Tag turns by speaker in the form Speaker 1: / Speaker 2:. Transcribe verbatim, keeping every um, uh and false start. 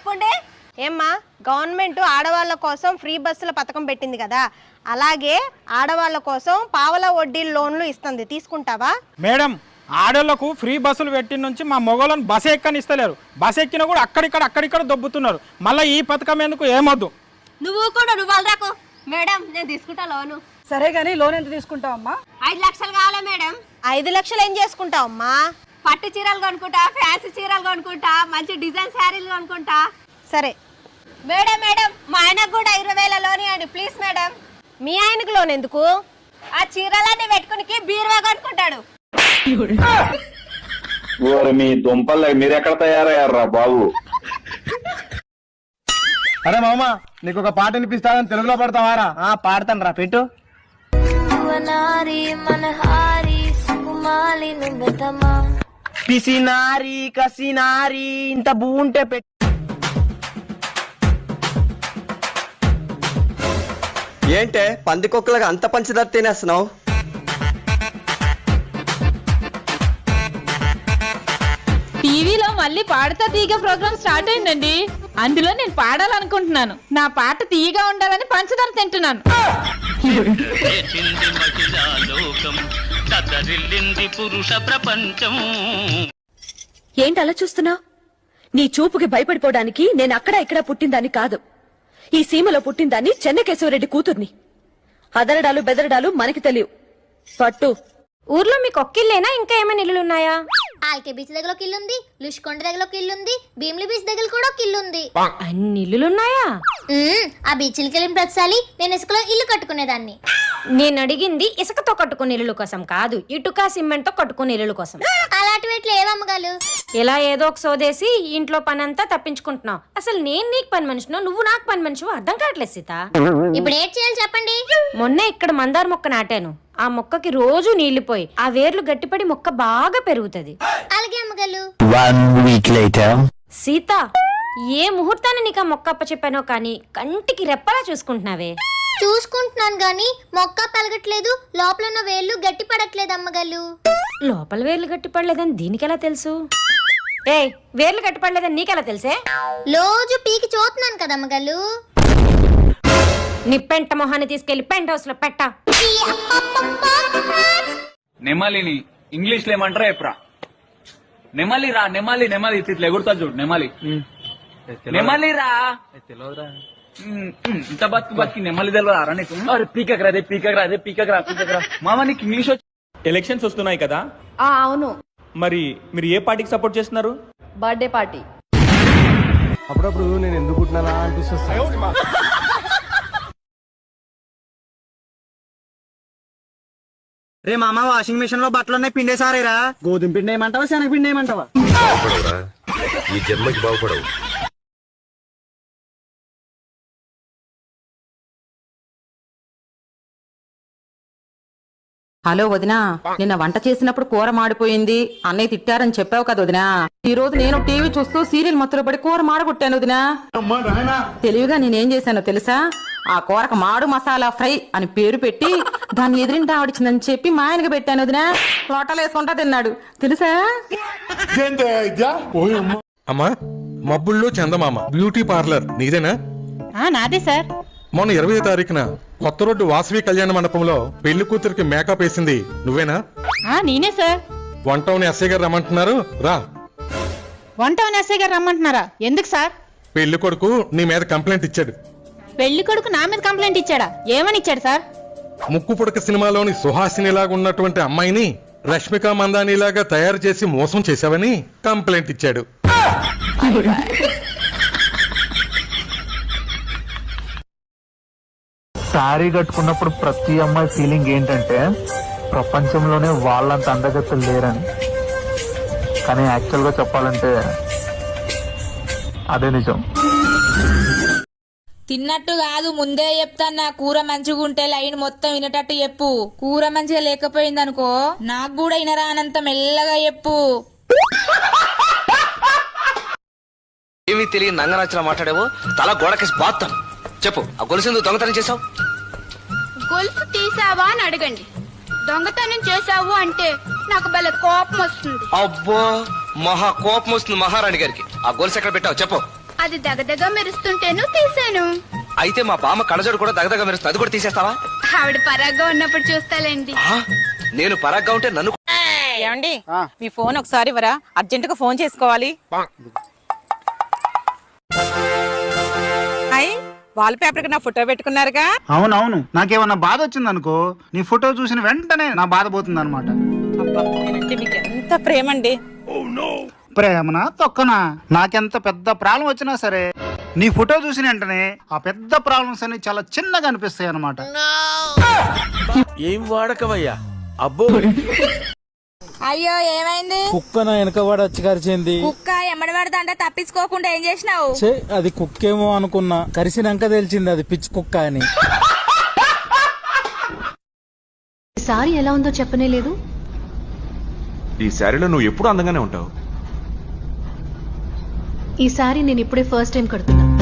Speaker 1: ఊకోండి. ఏమ్మా, గవర్నమెంట్ ఆడవాళ్ళ కోసం ఫ్రీ బస్సుల పథకం పెట్టింది కదా, అలాగే ఆడవాళ్ళ కోసం పావలా వడ్డీ లోన్లు ఇస్తుంది, తీసుకుంటావా?
Speaker 2: మేడం, ఆడోళ్లకు ఫ్రీ బస్సులు పెట్టిన నుంచి మా మొగోళ్ళని బస్ ఎక్కనిస్తలేరు. బస్ ఎక్కినా కూడా అక్కడిక్కడ అక్కడిక్కడ దొబ్బుతున్నారు. మళ్ళీ ఈ పథకం ఎందుకు? ఏమొద్దు.
Speaker 1: నువ్వు కూడా నువ్వు వాళ్ళు రాకు. మేడం, నేను తీసుకుంటా లోను.
Speaker 3: సరే గానీ లోన్ ఎంత తీసుకుంటావమ్మా?
Speaker 1: ఐదు లక్షలు కావాలా మేడం? ఐదు లక్షలు ఏం చేసుకుంటావమ్మా? పట్టు చీరలు కొనుక్కుంటా, ఫ్యాన్సీ చీరలు కొనుక్కుంటా, మంచి డిజైన్ శారీలు కొనుక్కుంటా. సరే మేడం, మేడం మా ఆయనకు కూడా ఇరవై వేల లోన్ ఇవ్వండి ప్లీజ్ మేడం. మీ ఆయనకు లోన్ ఎందుకు? ఆ చీరలన్నీ పెట్టుకుని బీరువా కొనుక్కుంటాడు.
Speaker 4: మీ దుంపల్ మీరెక్కడ తయారయ్యారా బాబు?
Speaker 5: అరే మామ, నీకు ఒక పాట వినిపిస్తానని తెలుగులో పడతావారా? పాడతాను రా, పెట్టు. పిసినారి కసినారి ఇంత భూ ఉంటే పెట్టు.
Speaker 6: ఏంటే పందికొక్కలుగా అంత పంచదార తినేస్తున్నావు?
Speaker 7: టీవీలో మళ్ళీ పాడతా తీగ ప్రోగ్రామ్ స్టార్ట్ అయిందండి. అందులో నేను పాడాలనుకుంటున్నాను. నా పాట తీయగా ఉండాలని పంచదార తింటున్నాను.
Speaker 8: ఏంటి అలా చూస్తున్నా? నీ చూపుకి భయపడిపోవడానికి నేను అక్కడ ఇక్కడ పుట్టిందాన్ని కాదు. ఈ సీమలో పుట్టిందాన్ని చెన్నకేశవరెడ్డి కూతుర్ని. అదరడాలు బెదరడాలు మనకి తెలియవు. పట్టు.
Speaker 1: ఊర్లో మీకు ఒక్కిల్లేనా, ఇంకా ఏమైనా ఇల్లులు ఉన్నాయా?
Speaker 9: ఆల్కే బీచ్ దగ్గర ఒక ఇల్లుంది, లుష్కొండ దగ్గర ఒక ఇల్లుంది, భీమిలి బీచ్ దగ్గర కూడా ఒక ఇల్లుంది.
Speaker 1: అన్ని ఇల్లులున్నాయా?
Speaker 9: ఆ బీచ్లకి వెళ్ళిన ప్రతిసారి నేను ఇసుకలో ఇల్లు కట్టుకునేదాన్ని.
Speaker 1: నేను అడిగింది ఇసుకతో కట్టుకునే ఇల్లు కోసం కాదు, ఇటుక సిమెంట్ తో కట్టుకునే ఇల్లు కోసం.
Speaker 9: అలాంటివి ఎట్లా ఏవమ్మగాలు?
Speaker 1: ఇలా ఏదో ఒక సోదేసి ఇంట్లో పని అంతా తప్పించుకుంటున్నావు. అసలు నేను నీకు పని మనిషినో నువ్వు నాకు పని మనిషివో అర్థం కావట్లేదు సీత.
Speaker 9: ఇప్పుడు ఏం చేయాలి చెప్పండి?
Speaker 1: మొన్నే ఇక్కడ మందార మొక్క నాటాను. ఆ మొక్కకి రోజు నీళ్లు పోయి ఆ వేర్లు గట్టిపడి మొక్క బాగా పెరుగుతది.
Speaker 9: అలాగే అమ్మగాలు.
Speaker 1: సీత, ఏ ముహూర్తాన్ని నీకు ఆ మొక్క అప్ప చెప్పానో కానీ కంటికి రెప్పలా చూసుకుంటున్నావే.
Speaker 9: చూసుకుంటున్నాను గాని మొక్క పెరగట్లేదు, లోపల ఉన్న వేళ్ళు గట్టి పడట్లేదు అమ్మగాలు.
Speaker 1: లోపల వేర్లు గట్టిపడలేదని దీనికెలా తెలుసు? ఏ వేర్లు గట్టిపడలేదని నీకెలా తెలుసే?
Speaker 9: రోజు పీకి చూస్తున్నాను కదా అమ్మగాలు.
Speaker 1: నీ పెంట మొహాన్ని తీసుకెళ్లి పెంట్ హౌస్ లో పెట్ట.
Speaker 10: నెమలిని ఇంగ్లీష్ లో ఏమంటారా ఎప్రా? నెమలి రా, నెమలి నెమలి ఇట్లా ఎగురుతా చూడు. నెమలి నెమలి రా, ఇంత బతుకు బతికి నెమలి తెలియదా నీకు? పీకక్ రాదే పీకక్ రాదే పీకక్ రా పీకక్ రా. మామ నీకు ఇంగ్లీష్ వచ్చి.
Speaker 11: ఎలక్షన్స్ వస్తున్నాయి కదా,
Speaker 7: అవును.
Speaker 11: మరి మీరు ఏ పార్టీకి సపోర్ట్ చేస్తున్నారు?
Speaker 7: Birthday party.
Speaker 5: అప్పుడప్పుడు నేను ఎందుకు పుట్టినా అనిపిస్తుంది. రే మామ, వాషింగ్ మిషన్ లో బట్టలు ఉన్నాయి, పిండేసారేరా. గోధుమ పిండి ఏమంటావా, శనగ పిండి ఏమంటావా?
Speaker 4: ఈ జన్మకి బాగుపడవు.
Speaker 12: హలో వదినా, నిన్న వంట చేసినప్పుడు కూర మాడిపోయింది, అన్నయ్య తిట్టారని చెప్పావు కదా వదినా. ఈ రోజు నేను టీవీ చూస్తూ సీరియల్ మత్తులో పడి కూర మాడగొట్టాను వదినా. తెలివిగా నేనేం చేశానో తెలుసా? ఆ కూరకు మాడు మసాలా ఫ్రై అని పేరు పెట్టి దాన్ని ఎదిరింటి ఆవిడిచిందని చెప్పి మా ఆయనకి పెట్టాను వదినా. లోటలు వేసుకుంటా తిన్నాడు తెలుసా?
Speaker 13: అమ్మా, మబ్బుల్లో చందమామ బ్యూటీ పార్లర్ నీదేనా?
Speaker 7: నాదే సార్.
Speaker 13: మొన్న ఇరవై తారీఖున కొత్త రోడ్డు వాసవి కళ్యాణ మండపంలో పెళ్లి కూతురికి మేకప్ వేసింది నువ్వేనా?
Speaker 7: నేనే సార్.
Speaker 13: వంటౌన్ ఎస్ఐ గారు రమ్మంటున్నారు, రా.
Speaker 7: వంటౌన్ ఎస్ఐ గారు రమ్మంటున్నారా? ఎందుకు సార్?
Speaker 13: పెళ్లి కొడుకు నీ మీద కంప్లైంట్ ఇచ్చాడు.
Speaker 7: పెళ్లి కొడుకు నా మీద కంప్లైంట్ ఇచ్చాడా? ఏమని ఇచ్చాడు సార్?
Speaker 13: ముక్కు పుడక సినిమాలోని సుహాసినిలాగా ఉన్నటువంటి అమ్మాయిని రష్మిక మందానిలాగా తయారు చేసి మోసం చేశావని కంప్లైంట్ ఇచ్చాడు.
Speaker 5: శారీ కట్టుకున్నప్పుడు ప్రతి అమ్మాయి ఫీలింగ్ ఏంటంటే ప్రపంచంలోనే వాళ్ళంత అందగత్తెలు లేరని. కానీ యాక్చువల్ గా చెప్పాలంటే అదే నిజం.
Speaker 7: తిన్నట్టు కాదు, ముందే చెప్తాను. కూర మంచిగుంటే లైన్ మొత్తం వినేటట్టు చెప్పు. కూర మంచిగా లేకపోయింది అనుకో, నాకు కూడా వినరానంత మెల్లగా చెప్పు.
Speaker 6: ఏమీ తెలియని నంగనచ్చిన మాట్లాడేవో తల గోడకేసి బాత్తాను. చెప్పు, ఆ గొలుసు దొంగతనం చేసావు?
Speaker 9: గొలుసు తీసావా అని అడగండి. దొంగతనం చేసావు అంటే నాకు భలే కోపం వస్తుంది.
Speaker 6: అబ్బో, మహా కోపం వస్తుంది మహారాణి గారికి. ఆ గొలుసు ఎక్కడ పెట్టావు చెప్పు.
Speaker 9: అది దగదగ మెరుస్తుంటేను తీసాను.
Speaker 6: అయితే మా బామ్మ కళ్ళజోడు కూడా దగదగ మెరుస్తుంది, అది కూడా తీసేస్తావా?
Speaker 9: ఆవిడ పరాగ్గా ఉన్నప్పుడు చూస్తాలేండి.
Speaker 6: ఆ, నేను పరాగ్గా ఉంటే నన్ను
Speaker 12: ఏమండి మీ ఫోన్ ఒకసారి ఇవ్వరా, అర్జెంట్ గా ఫోన్ చేసుకోవాలి. హాయ్, వాల్ పేపర్ కి నా ఫోటో పెట్టుకున్నారుగా.
Speaker 14: అవునవును, నాకేమన్నా బాధ వచ్చింది అనుకో, నీ ఫోటో చూసిన వెంటనే నా బాధ పోతుంది అనమాట.
Speaker 12: నేనంటే మీకు ఎంత ప్రేమ అండి.
Speaker 14: ప్రేమనా తొక్కనా, నాకెంత పెద్ద ప్రాబ్లం వచ్చినా సరే నీ ఫోటో చూసిన వెంటనే ఆ పెద్ద ప్రాబ్లమ్స్ అన్ని చాలా చిన్నగా అనిపిస్తాయి అనమాట.
Speaker 15: ఏం వాడకవయ్యా అబ్బో.
Speaker 7: అయ్యో ఏమైంది?
Speaker 16: కుక్క నా వెనక వాడు వచ్చి కరిచింది.
Speaker 7: కుక్క ఎమ్మడి పడదంటే తప్పించుకోకుండా ఏం చేసినావు?
Speaker 16: అది కుక్కేమో అనుకున్నా, కరిసినాక తెలిసింది అది పిచ్చి కుక్క అని.
Speaker 17: సారీ ఎలా ఉందో చెప్పనే లేదు.
Speaker 11: ఈ శారీలో నువ్వు ఎప్పుడు అందంగానే ఉంటావు.
Speaker 17: ఈ సారీ నేను ఇప్పుడే ఫస్ట్ టైం కడుతున్నా.